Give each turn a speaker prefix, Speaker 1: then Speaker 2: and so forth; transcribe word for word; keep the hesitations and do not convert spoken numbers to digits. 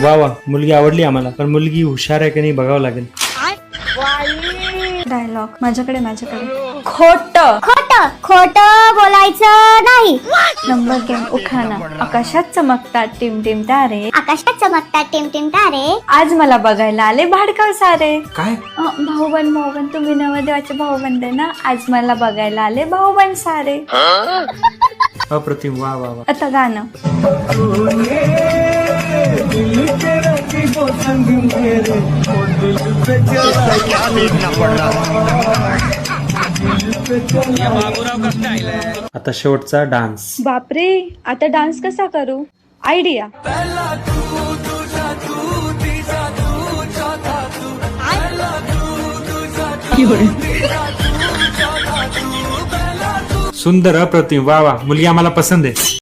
Speaker 1: वा वा, मुलगी आवडली आम्हाला, पण मुलगी हुशार आहे की नाही बघावं लागेल.
Speaker 2: डायलॉग माझ्याकडे माझ्याकडे खोट
Speaker 3: खोट खोट बोलायचं नाही.
Speaker 2: नंबर दोन उखाणा. आकाशात चमकतात टिमटिम तारे,
Speaker 3: आकाशात चमकतात टिमटिम तारे,
Speaker 2: आज मला बघायला आले भाडकाव सारे.
Speaker 1: काय?
Speaker 2: अं, भाऊबंद भाऊबंद तुम्ही नवदेवाचे भाऊबंद आहे ना, आज मला बघायला आले भाऊबंद सारे.
Speaker 1: अप्रतिम, वा वा वा.
Speaker 2: आता गाणं.
Speaker 1: आता शेवटचा डान्स.
Speaker 2: बापरे, आता डान्स कसा करू? आयडिया.
Speaker 1: सुंदर, अप्रतिम, वा वा, मुलगी आम्हाला पसंत आहे.